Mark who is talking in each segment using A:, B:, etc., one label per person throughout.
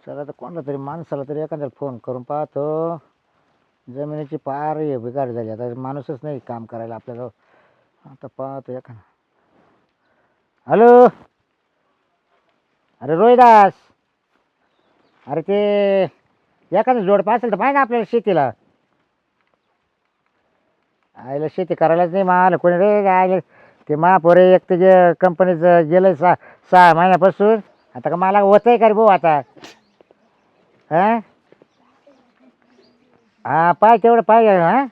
A: चला तर कोणाला तरी माणसाला तरी एखाद्याला फोन करून पाहतो. जमिनीची पार हे बिगाड झाली, आता माणूसच नाही काम करायला आपल्याजवळ. आता पाहतो एखादा. हॅलो, अरे रोहिदास, अरे ते एखादं जोड असेल तर पाहिजे आपल्याला शेतीला. आईला शेती करायलाच नाही मला कोणी रे. आयला ते महापोरे एक तर जे कंपनीचं गेलं 6 महिन्यापासून. आता का मला होत आहे का रे भाऊ आता. हां हां, पाय तेवढं पाहिजे. हां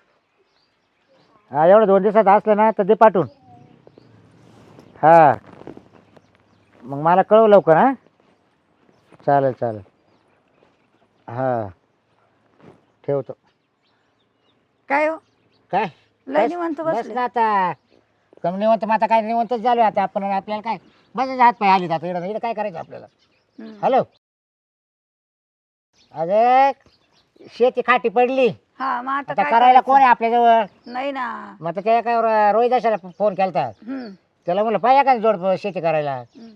A: हां, एवढं 2 दिवसात असलं ना तर दे पाठवून. हां, मग मला कळव लवकर. हां, चालेल चालेल. हां, ठेवतो.
B: काय हो?
A: काय
B: लय
A: बस
B: निवांत
A: बस
B: बसले.
A: ना आता. कम निवंत मग आता काय निवंतच झालो आता आपण. आपल्याला काय बस हात पाय आली आता. इकडं काय करायचं आपल्याला.
B: हम्म.
A: हॅलो, अरे शेती खाटी पडली.
B: हा, मग आता
A: आता
B: काय
A: करायला
B: करायचं?
A: कोण आहे आपल्याजवळ.
B: नाही ना.
A: मग आता त्या काय रोहिदाशाला फोन केलता.
B: हम्म.
A: त्याला म्हणलं पाहिजे का जोड शेती करायला.
B: हम्म.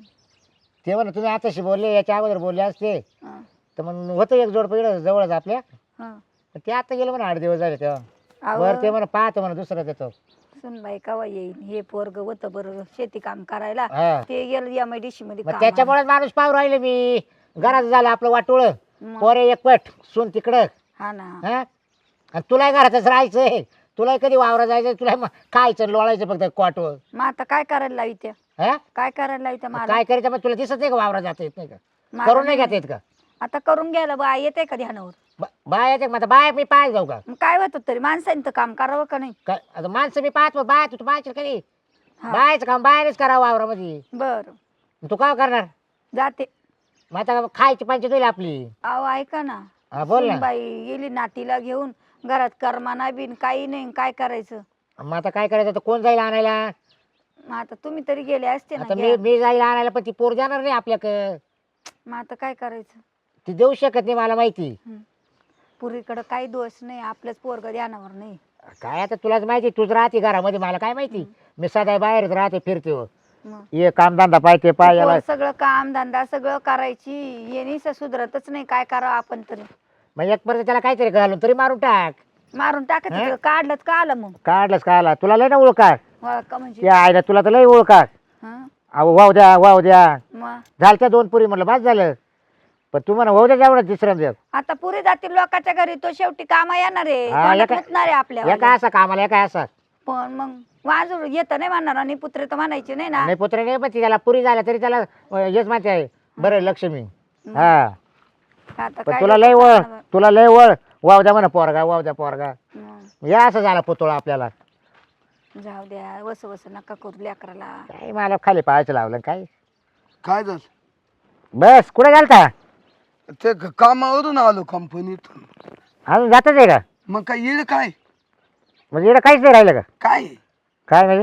A: ते म्हणलं तुम्ही आताशी बोलले, याच्या अगोदर बोलले असते
B: हा,
A: तर मग होतं एक जोड इकडं जवळच आपल्या.
B: हा.
A: पण ते आता गेलं म्हणा 8 दिवस झाले तेव्हा.
B: अहो,
A: बरं ते म्हणा पाहतो म्हणा दुसरं देतो.
B: सुनबाई कवा येईल? हे पोरग होतं बरं शेती काम करायला.
A: हा,
B: ते गेलं MIDC मध्ये
A: मग
B: कामाला.
A: त्याच्यामुळेच माणूस पाहू राहिले मी. घरात झालं आपलं वाटोळ.
B: मग.
A: पोरे एक पट सून तिकडं.
B: हा ना.
A: हा, आणि तुलाही घरातच राहायचंय. तुलाही कधी वावरा जायचं, तुला खायचं लोळायचं फक्त क्वाटवर.
B: मग आता काय करायला लावित्या?
A: हा,
B: काय करायला लावित्या मला?
A: काय करायचं मग तुला दिसत नाही का वावरा जाता येत नाही का.
B: मला
A: करून नाही घेता येत का.
B: आता करून घ्यायला बा येते का ध्यानावर?
A: बाय येते मग आता बाय मी पाहायला जाऊ का.
B: मग काय होतं तरी माणसाने तर काम करावं का नाही?
A: काय आता माणसं मी पाहतो. बाय तू बायचं कधी
B: हा.
A: बायचं काम बाहेरच करावं वावरामध्ये.
B: बर,
A: तू काय करणार
B: जाते.
A: मग आता खायची पंचायत होईल आपली.
B: अहो ऐका ना.
A: हा बोल ना.
B: सुनबाई गेली नातीला घेऊन. घरात करमाना बिन काही नाही. काय करायचं?
A: मग आता काय करायचं, आता कोण जाईल आणायला.
B: मग आता तुम्ही तरी गेले असते ना
A: आता मी
B: घ्या.
A: मी जाईल आणायला पण ती पोर जाणार नाही आपल्याकडं.
B: मग आता काय करायचं?
A: ती देऊ शकत नाही मला माहिती.
B: पुरीकडं काही दोष नाही. आपलंच पोरग ध्यानावर नाही.
A: काय आता तुलाच माहिती, तुझ राहते घरामध्ये, मला काय माहिती. मी सदा बाहेरच राहते फिरते हो.
B: मग
A: ये कामधंदा पाहिजे पाय याला.
B: पोर सगळं काम धंदा सगळं करायची. ये नाही सुधरतच नाही. काय करावं आपण तरी?
A: मग एक पर्यंत त्याला काहीतरी घालून तरी मारून टाक.
B: मारून टाकायचं. काढलंच का आलं मग?
A: काढलंच का आला तुला लय ना ओळखा.
B: का म्हणजे?
A: या आयला तुला तर लय ओळखा.
B: हं?
A: अहो वाहू द्या वाहू द्या.
B: मग
A: झालं त्या 2 पुरी म्हणलं बस झालं. पण तू म्हणा वाहू द्या एवढं तिसऱ्या द्या.
B: आता पुरी जातील लोकांच्या घरी. तो शेवटी कामा येणार आहे.
A: हा,
B: तोंडात
A: एका-
B: मुतणार आहे आपल्या.
A: एका असा कामाला एका असा.
B: पण मग वाजूर येत नाही म्हणणार. आणि पुत्र तर म्हणायचे नाही ना.
A: नाही पुत्र नाही पण त्याला पुरी झाल्या तरी त्याला हेच माहिती आहे. बरं लक्ष्मी. हा,
B: आता
A: पण
B: काय
A: तुला लय वळ, तुला लय वळ. वाहू द्या म्हणा पोरगा वाहू द्या पोरगा. या असं झाला पुतळा आपल्याला.
B: जाऊ द्या. वस वस नका करू लेकराला.
A: काय मला खाली पाहायचं लावलं काय.
C: काय झालं?
A: बस कुठे घालता.
C: ते कामावरून आलो कंपनीतून.
A: अजून जातच आहे का.
C: मग काय येईल काय?
A: म्हणजे इकडे काहीच नाही राहिलं का.
C: काय
A: काय म्हणजे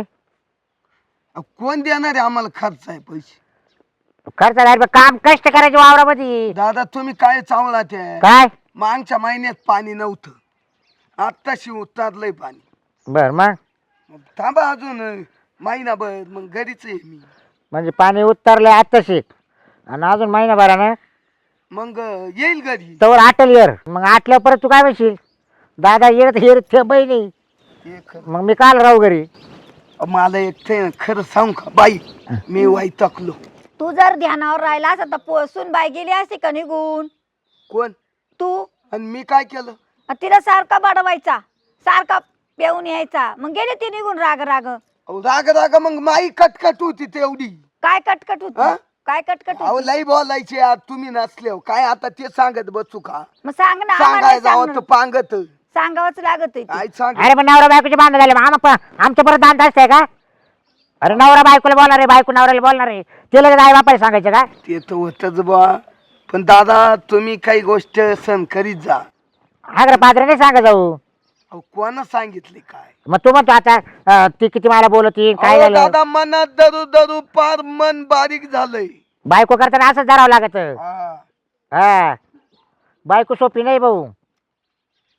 C: कोण देणार आहे आम्हाला खर्च आहे पैसे?
A: खर्च राहील पण काम कष्ट करायचे वावरामध्ये.
C: दादा तुम्ही काय चावला ते?
A: काय
C: मागच्या महिन्यात पाणी नव्हतं. आत्ताशी उतरलंय पाणी.
A: बर मग
C: मग थांबा अजून महिनाभर मग घरीच आहे मी.
A: म्हणजे पाणी उतरलंय आत्ताशी आणि अजून महिनाभरानं
C: मग येईल घरी.
A: तवर आटल येर. मग आटल्या परत तू काय म्हणशील दादा येत हेर ते बहिणी.
C: हे खरं.
A: मग मी काल राहू घरी.
C: मला एक ते खरं सांगू का बाई, मी वैतागलो.
B: तू जर ध्यानावर राहिला असता तर पोसून बाई गेली असती का निघून?
C: कोण?
B: तू.
C: आणि मी काय केलं?
B: तिला सारखा बडवायचा. सारखा पेऊन यायचा. मग गेले ती निघून राग राग.
C: अहो, राग राग मग माई कटकट होती तेवढी.
B: काय कटकट
C: हा?
B: होती? काय कटकट
C: अहो
B: होती?
C: लई बोलायचे आज तुम्ही नसले काय आता ते सांगत बसू का?
B: मग सांग ना. आम्हाला
C: सांगाय
B: नाही
C: जावं
B: सांगणार.
C: तर पांगत
B: सांगावंच लागत आहे ते.
C: काय सांग.
A: अरे पण नवरा बायकोचे बांधणं झाले मग आमच्या परत दांत असते का. अरे नवरा बायकोला बोलणार आहे बायको नवऱ्याला बोलणार आहे. ते लगेच आई बापाला सांगायचं का.
C: ते तर होतच बा. पण दादा तुम्ही काही गोष्ट सण करीत जा.
A: अगर पात्र नाही सांगा जाऊ.
C: अहो, कोणा सांगितले काय?
A: मग तू म्हणतो आता ती किती मला बोलती काय
C: अहो,
A: झालं.
C: दादा मनात दरू दरू पार मन बारीक झालंय.
A: बायको करताना असंच धरावं लागत.
C: हा.
A: हा, बायको सोपी नाही भाऊ.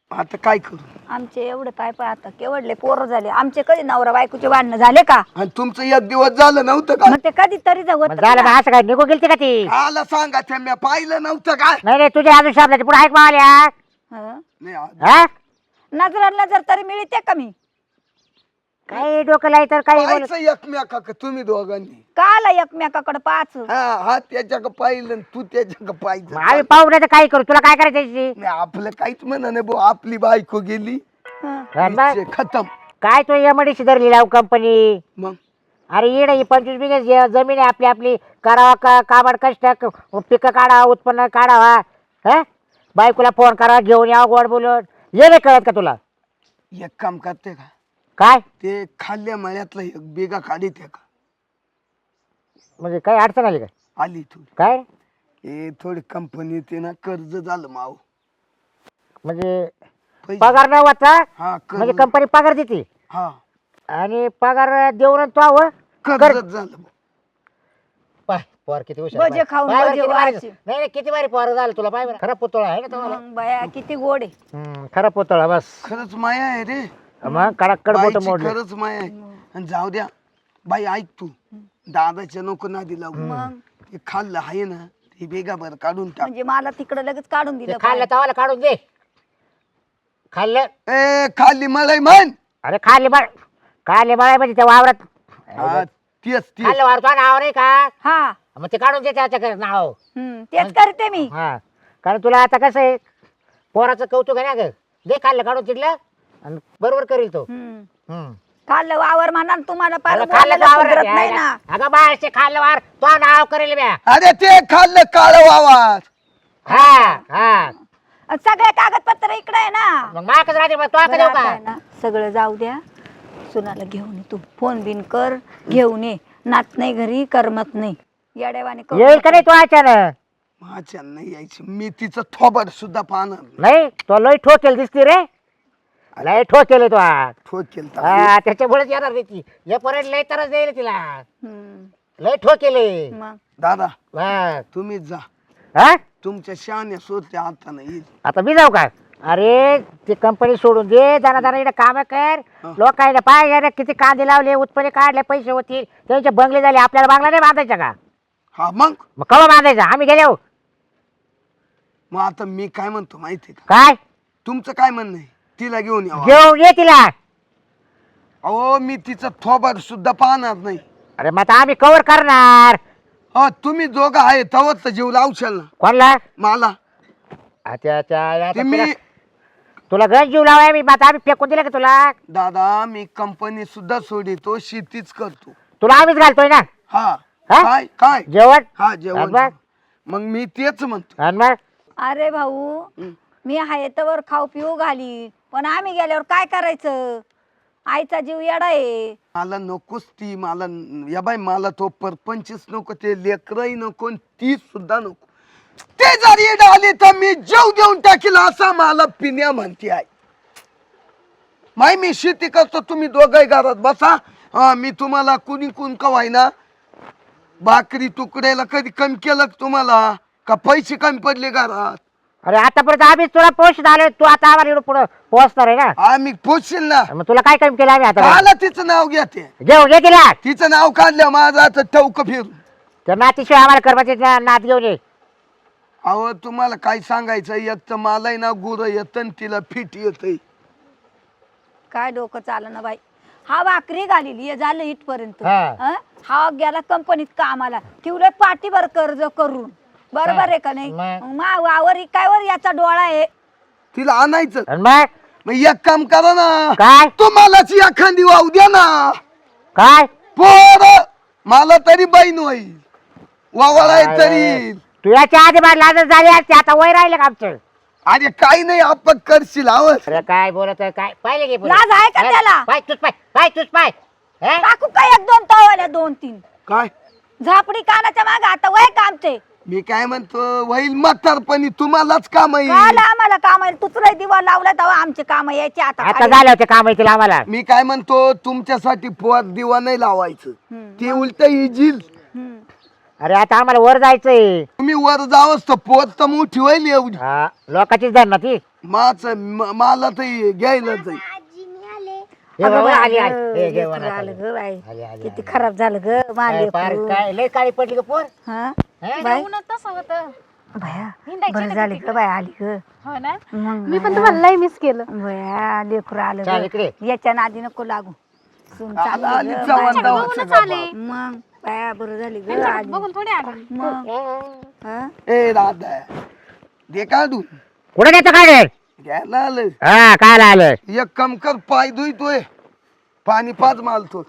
C: आता काय करू?
B: आमचे एवढे पाय पाय आता केवढले पोरं झाले आमचे. कधी नवरा बायकोचे भांडणं झाले का?
C: आणि तुमचं एक दिवस झालं नव्हतं का?
B: मग ते कधी तरी
A: मग झालं का असं काय निघून गेलती का ती?
C: आला सांगा त्या मी पाहिलं नव्हतं काय?
A: नाही रे तुझ्या अजून शब्दाची पुढे ऐक मावल्या.
C: नाही
A: हा
B: नजर नजर तरी मिळते का मी?
A: काही डोकं लाई तर काही बोलत
C: पाहायचं एकमेका का तुम्ही दोघांनी?
B: काला एकमेकाकडे पाच.
C: हा त्याच्या का पाहिलं आणि तू त्याच्या का पाहिजे.
A: आम्ही पाहू नाही तर काही करू. तुला काय करायचं त्याची?
C: नाही आपलं काहीच म्हणा नाही भाऊ. आपली बायको गेली विषय खतम.
A: काय तो एमडीसी धरली लाव कंपनी.
C: मग
A: अरे येड ही 25 बिघे जमीन आहे आपली आपली. करावा का काबाड कष्ट पिकं काढा उत्पन्न काढावा. हा बायकोला फोन करा घेऊन यावं गोड बोलून. ये नाही कळत का तुला?
C: एक काम करते का?
A: काय
C: ते खाल्ल्या मळ्यातलं एक बेगा काढीत का?
A: म्हणजे काही अडचण आली का?
C: आली थोडी.
A: काय
C: हे थोडी कंपनी ते ना कर्ज झालं माव.
A: म्हणजे
C: पैसे-
A: पगार न वाचा
C: हा
A: म्हणजे
C: कर्ज.
A: कंपनी पगार देते
C: हा
A: आणि पगार देऊन तो आव
C: कर्ज झालं.
A: पाय पोर किती हुशार
B: भजे
A: पाय.
B: खाऊन
A: पाय बरं
B: भजे
A: किती भारी-
B: व्हायचे.
A: नाही नाही किती भारी पोर झालं तुला पाय बरं. खरा पुतळा आहे ना तुम्हाला.
B: मग बाया किती गोड आहे.
A: खरा पुतळा बस.
C: खरंच माया आहे रे.
A: मग कडक मोठं
C: बाईची
A: मोडलं.
C: खरंच माया आहे. आणि जाऊ द्या बाई ऐक तू दादाच्या नको नादी लागू.
B: मग
C: ते खाल्लं आहे ना ते बेगा बरं काढून टाक.
B: म्हणजे मला तिकडे लगेच काढून
A: ते
B: दिलं.
A: खाल्लं तवाला काढून दे. खाल्लं
C: ए खाल्ली मलाई म्हण.
A: अरे खाल्ले बळ खाल्ले बळ म्हणजे त्या वावरात
C: हा, तेच तेच.
A: खाल्लं वावर तो नाव नाही का?
B: हा
A: मग ते काढून दे त्याच्या नाव.
B: तेच करते मी.
A: हा कारण तुला आता कसं आहे पोराचं कौतुक आहे ना ग. दे खाल्लं काढून तिथलं आणि बरोबर करील तो.
B: खाल्लं वावर म्हणा न तुम्हाला पार
A: अगं खाल्लं
B: बोलायला
A: वावर
B: सुधरत नाही ना.
A: अगं बाळचे खाल्लं वावर तो नाव करेल म्या.
C: अरे ते खाल्लं काळ वावर.
A: हा हा
B: आणि सगळे कागदपत्र इकडे आहे ना.
A: मग माकच राहते मग तो
B: बरं
A: देऊ
B: आता
A: का?
B: आहे ना, सगळं जाऊ द्या. सुनाला घेऊन ये तू. फोन बिन कर घेऊन ये. नात नाही घरी करमत नाही. येडेवाने
A: येईल का नाही तो अचानक?
C: माझ्या नाही यायची. मी तिचं थोबड सुद्धा पाहणार नाही.
A: नाही तो लय ठोकेल दिसते रे. लय ठोकेल आहे तो आज.
C: ठोकेल तर.
A: हा त्याच्यामुळेच येणार नाही ती. या पर्यंत लय तरच देईल तिला. लय ठोकेल आहे.
B: मग
C: दादा
A: हा.
C: तुम्हीच जा.
A: हा?
C: तुमच्या शहाण्या सोडच्या हाताने येईल.
A: आता मी जाऊ का? अरे ती कंपनी सोडून दे. जाना जाना इकडे काम कर. लोक आहे पाय किती कांदे लावले उत्पन्न काढले पैसे होतील त्यांचे बंगले झाले. आपल्याला बांगला नाही बांधायचा का?
C: हा मग
A: कवा बांधायचा? आम्ही गेलो
C: मग आता मी काय म्हणतो माहितीये का?
A: काय
C: तुमचं काय म्हणणं आहे? तिला घेऊन या.
A: घेऊन ये तिला.
C: अहो मी तिचं थोबड सुद्धा पाहणार नाही.
A: अरे मग आता आम्ही कव्हर करणार.
C: हो तुम्ही दोघं आहे तवच तर जीव लावशाल ना
A: कोणला?
C: मला. ते मी
A: तुला घर जीव लावाय मी. आता आम्ही फेकून दिलं का तुला?
C: दादा मी कंपनी सुद्धा सोडितो शेतीच करतो.
A: तुला आम्हीच घालतोय ना
C: हा
A: हा?
C: काय काय
A: जेवण.
C: हा जेवण.
A: आणि मग?
C: मग मी तेच म्हणतो.
A: आणि मग
B: अरे भाऊ मी आहे तर खाऊ पिऊ घाली पण आम्ही गेल्यावर काय करायचं? आईचा जीव येडा आहे.
C: मला नकोच ती. मला या बाई मला तो परपंचच नको. ते लेकरही नको आणि ती सुद्धा नको. ते जर येड आली तर मी जीव देऊन टाकील असा मला पिण्या म्हणते आहे. माय मी शेती करतो तुम्ही दोघही घरात बसा. मी तुम्हाला कुणी कुण कवायना भाकरी तुकड्याला कधी कमी केलं का तुम्हाला? का पैसे कमी पडले घरात?
A: अरे आतापर्यंत आम्हीच तुला पोषण आलोय. तू आता आम्हाला एवढं पुढं पोहोचणार आहे ना.
C: आम्ही पोचशील ना.
A: मग तुला काय कमी केलं आम्ही आता?
C: आला तिचं नाव घ्या. ते
A: घेऊन ये तिला.
C: तिचं नाव काढलं माझं आता टवक फिरून.
A: त्या नातीशिवाय आम्हाला करमाचे नात घेऊन ये.
C: अहो तुम्हाला काय सांगायचं? एक तर मलाही ना गुरं येतं आणि तिला फिट येतंय.
B: काय डोकं चालं ना बाई. हा भाकरी घालीली झालं इथपर्यंत.
A: हा.
B: हा गेला कंपनीत कामाला. ठेवलं पाठीवर कर्ज करून. बरोबर आहे का नाही?
A: मग?
B: मा वावर इकायवर याचा डोळा आहे.
C: तिला आणायचं.
A: आणि मग
C: मग एक काम करा ना.
A: काय
C: तुम्हालाच एखादी वाहू द्या ना.
A: काय
C: पोर मला तरी बहीण होईल. वावळ आहे तरी.
A: तू याच्या आधी बाहेर लाजच झाली असते. आता वय राहिलं का आमचं?
C: अरे काही नाही आपण करशील आवड.
A: अरे काय बोलत आहे? काय पाहिले घे पुढे.
B: लाज आहे का त्याला?
A: पाय तुझ पाय पाय तुझ पाय. हे?
B: टाकू काय एक दोन तवाल्या 2-3
C: काय
B: झापडी कानाच्या मागे आता वय का आमचे?
C: मी काय म्हणतो होईल म्हातारपणी तुम्हालाच काम
B: काल
C: येईल.
B: आम्हाला काम आहे. तुचराय दिवा लावला तेव्हा आमचे काम यायचे आता
A: आता
B: खाली.
A: झालं होते काम येतील आम्हाला.
C: मी काय म्हणतो तुमच्यासाठी पोर दिवा नाही लावायचं. ते उलट इजील.
A: अरे आता आम्हाला वर जायचंय.
C: तुम्ही वर जावंच तर पोत तर मोठी होईल एवढी.
A: हा लोकांचीच धर ना ती.
C: मला तर घ्यायला जाईल.
A: हे
B: अगं
A: बाबा,
B: बाई,
A: आली आली.
B: अगं,
A: हे घे
B: लेकरं
A: वनात
B: आलं
A: आली.
B: ग बाई.
A: आली, आली,
B: किती
A: आली.
B: खराब झालं ग
A: काय पार
B: माले
A: काय लय काळी पडली का पोर.
B: हा
A: हे?
B: बाई
D: तसं होतं
B: भया
D: हिंडायची
B: बरं
D: ना
B: झाली
D: तिकडे.
B: ग बाई आली ग.
D: हो ना
B: मग
D: मी पण तुम्हाला लय मिस केलं.
B: भया लेकरं आलं
A: चाल
B: ग.
A: इकडे.
B: याच्या नादी नको लागू. सून
C: आला
B: चांगली
C: आली
B: ग,
C: चव्हाण
B: बाई.
C: गावाचं
D: बघूनच आले.
C: बाबा.
B: मग बाया बरं झाली ग
D: त्यांच्याकडे
B: आली.
D: बघून थोडी आले.
B: मग हा?
C: ए दादा दे काढून
A: कुठे नेतो काय रे?
C: घ्यायला आलं.
A: हा काय आलं.
C: एक काम कर पाय धुतोय पाणी पाच मालतो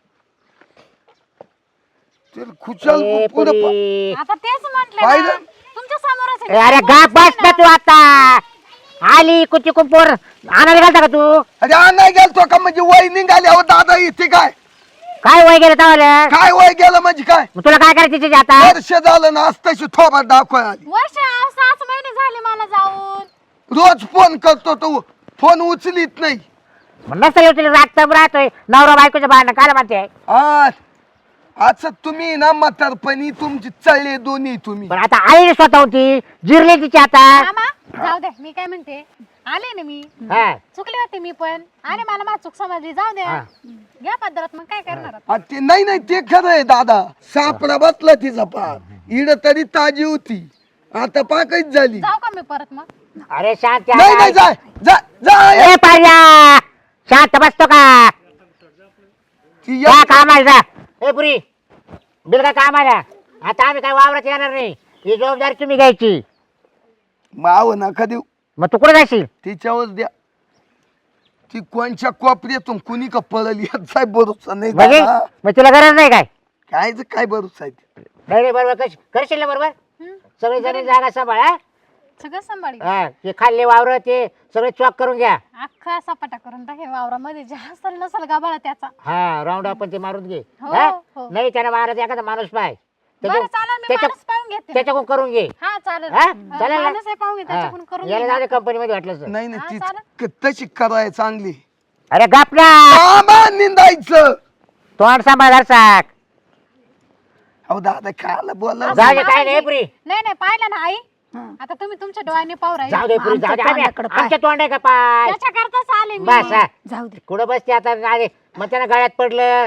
C: खुशाल
A: ए,
C: पुढे
A: पुरी.
D: आता तेच म्हटलं
C: पाहिलं?
D: ना, तुमच्या समोरच
A: ए,
D: आहे.
A: अरे गा बस ना तू आता. आली कुची कुंपोर आणायला घालता का तू?
C: अरे नाही गेलतो का म्हणजे वय निघाली अहो दादा इथे काय
A: काय वय गेलं तवाला?
C: काय वय गेलं म्हणजे काय
A: मग तुला काय करायचं तिथे आता?
C: वर्ष झालं ना आज तशी थोबात दाखवाय आली
D: वर्ष 6 महिने झाले मला जाऊन.
C: रोज फोन करतो तो फोन उचलीत नाही
A: मग नसतं येऊ तुला रागतं राहतोय नवरा बायकोच्या भांडण काय म्हणते.
C: आज आज तुम्ही ना म्हातारपणी तुमची चळले दोन्ही तुम्ही
A: पण आता आई स्वतः होती जिरली तिची आता.
D: मामा जाऊ दे मी काय म्हणते आले ना मी
A: हा.
D: चुकले होते मी पण अरे मला माझी चूक समजली जाऊ द्या
A: हा.
D: घ्या पद्धत मग काय करणार आता?
C: आ, ते नाही नाही ते खरं आहे दादा सापडा बसला तिचा पार इड तरी ताजी होती आता पाकच झाली
D: जाऊ का मी परत मग?
A: अरे शांत
C: नाही नाही जाय जा जा
A: ए पार्या शांत बसतो का?
C: ती
A: जा
C: या-
A: कामाला जा. ए पुरी बिल का कामाला. आता आम्ही काय वावरात येणार नाही. ही जबाबदारी तुम्ही घ्यायची.
C: माव नका देऊ
A: मग तू कुठे जाशील?
C: तिच्यावर द्या ती कोणच्या कोपऱ्यातून कुणी का पळली याचा भरोसा नाही
A: म्हणजे
C: दादा.
A: मग तुला गरज नाही काय?
C: कायच काय भरोसा आहे ते.
A: नाही नाही, बरोबर करशील ना बरोबर.
D: हं?
A: सगळी जमीन जागा सांभाळ हा?
D: सगळं सांभाळी
A: हा ते खाल्ले वावर ते सगळे चॉक करून घ्या.
D: अख्खा सपाटा करून टाकेल वावरामध्ये जे हसल नसल गाभाळा त्याचा.
A: हा राऊंड आपण ते मारून घे.
D: हो,
A: हा?
D: हो.
A: नाही त्याला मारायचं एखादा माणूस पाय
D: बरं चालेल मी माणूस पाहून घेते.
A: त्याच्याकडून करून घे.
D: हा चालेल
A: हा? चालेल ना?
D: माणूस आहे पाहून घे त्याच्याकडून
A: हा.
D: करून
A: याला
D: घे.
A: जाऊ दे कंपनीमध्ये वाटलं तर.
C: नाही
D: हा,
C: नाही
D: चालेल.
C: ती तशी कराय चांगली
A: अरे गापला
C: आबा निंदायचं
A: तोंड सांभाळ साक.
C: अहो दादा खायला बोला
A: जाऊ दे काय नाही पुरी.
D: नाही नाही पाहिलं ना आई
B: हं.
D: आता तुम्ही तुमच्या डोळ्याने पाहू राहिले
A: जाऊ दे पुरी जाऊ दे.
B: आमच्या
A: आम्ही-
B: तोंडाकडं पाय.
A: आमच्या तोंड आहे का पाय?
D: त्याच्याकरताच आले मी.
A: बस हा.
B: जाऊ दे
A: कुठं बसते आता नारे मग त्यानं गळ्यात पडलं.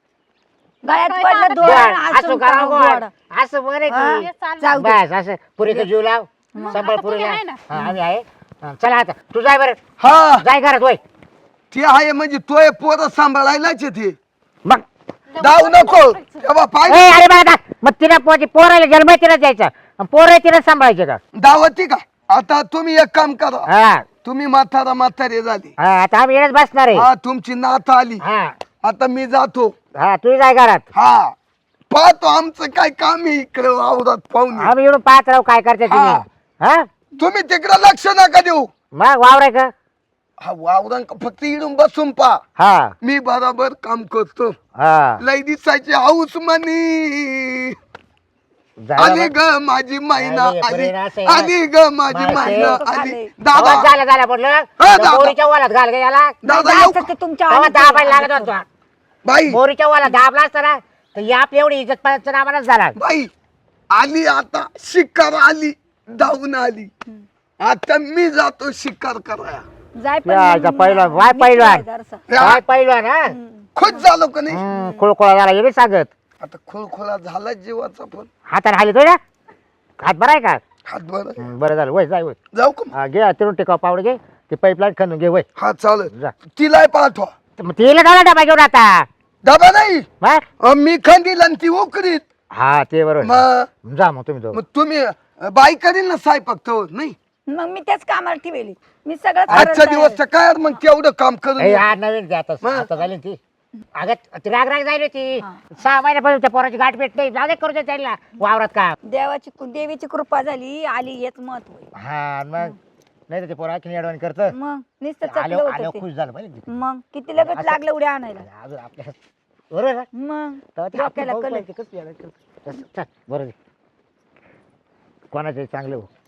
B: गळ्यात
D: काय
B: पडलं
D: सांगत
B: दोन
A: गोड, असं
B: असून
A: करा
B: का
A: गोड.
B: गोड.
A: असं बरं
B: हा?
A: की
D: हे चालेल.
B: जाऊ दे.
A: बस असं पुरीचं जीव लाव सांभाळ
D: आता
A: पुरीला.
D: तुम्ही आहे ना?
A: हा, आम्ही आहे. हा, चला आता तू जाय बरं
C: हा
A: जाय घरात होय.
C: ते आहे म्हणजे तोय पोरं सांभाळायलाच येते
A: मग
C: जाऊ नको तेव्हा
A: ए,
C: पाय
A: अरे बघा मग तिला पोरायला जन्म तिला द्यायचा पोरं तिला सांभाळायचे का?
C: दावती का आता तुम्ही एक काम करा
A: हा
C: तुम्ही म्हातारे झाले
A: हा आता आम्ही येणच बसणार आहे.
C: हा तुमची नात आली
A: हा
C: आता मी जातो
A: हा तू जाय घरात.
C: हा पाहतो आमचं काय काम आहे इकडे वावरात पाहून
A: आम्ही येऊन पाहत राहू काय करते तुम्ही.
C: हा.
A: हा
C: तुम्ही तिकडे लक्ष नका देऊ
A: मग वावराय का?
C: हा वावरां फक्त इडून बसून पा
A: हा
C: मी बरोबर काम करतो
A: हा
C: लय दिसायची हाऊस मनी
A: जायला
C: आली
A: बघ.
C: ग माझी मैना
A: आली,
C: आली
A: बरे ना, सही ना.
C: आली ग माझी
A: मासे.
C: मैना
B: आले.
C: आली
A: तेव्हा
C: दादा
A: झालं म्हटलं
C: हा,
A: त्या
C: दादा.
A: मोरीच्या वालात घाल गे याला.
C: दादा
B: जायचं
C: येऊ
B: ते तुमच्या
A: तेव्हा
B: आईचं.
A: दाबायला लागत होता.
C: बाई
A: मोरीच्या वाला दाबला असता ना तर या आपली एवढी इज्जत पाण्याचा नामानच झाला.
C: बाई आली आता शिकार आली धावून आली आता मी जातो शिकार कराया
B: जाय पण
A: यायचा
B: मग
A: पहिलवान, वाय
B: नीट
A: पहिलवान.
B: राहा जरासं.
A: काय पहिलवान हा
C: खुश झालो का नाही
A: खुळखुळा झाला हे बी सांगत.
C: आता खुळखुळा झाला जीवाचा पण
A: हाताने हाली तो ना हात बराय का?
C: हात बरं
A: बरं झालं वय जाय वय.
C: जाऊ का
A: हा, घे तिरून टिकाव पावडे घे ते पाईपलाईन खणून घे वय
C: हा चालेल
A: जा.
C: तिला पाठवा
A: मग तिला झाला डबा घेऊन आता
C: डबा नाही
A: मग
C: मी खंदील आणि ती उकरीत
A: हा ते बरोबर
C: मग
A: जा मग तुम्ही दोघं.
C: मग तुम्ही बाई करील ना स्वयंपाक तर नाही
B: मग मी त्याच कामाला ठेवली मी सगळं
C: आजचा दिवस तर काय मग तेवढं काम करून
A: ए,
C: ये.
A: हा नवीन ते आता
C: मग?
A: आता झाली ना ती अगं ती राग राग जायली ती 6 महिन्यापासून त्या पोराची गाठ भेट नाही जाऊ दे करू दे त्याला वावरात काम.
B: देवीची कृपा झाली आली हेच महत्व आहे.
A: हा मग नाही तर ते पोरा की अडवण करतं
B: मग नुसतं
A: आले
B: चकलं
A: आले
B: होतं
A: खुश
B: ते.
A: झालं पाहिजे.
B: मग किती लगत लागलं उड्या आणायला
A: अजून आपल्या बरोबर ना?
B: मग
A: तेव्हा ते
B: डोक्याला
A: आपली
B: कलर.
A: भाऊ पाहिजे, कसं यायला करतं. चल, बरं कोणाचे चांगले हो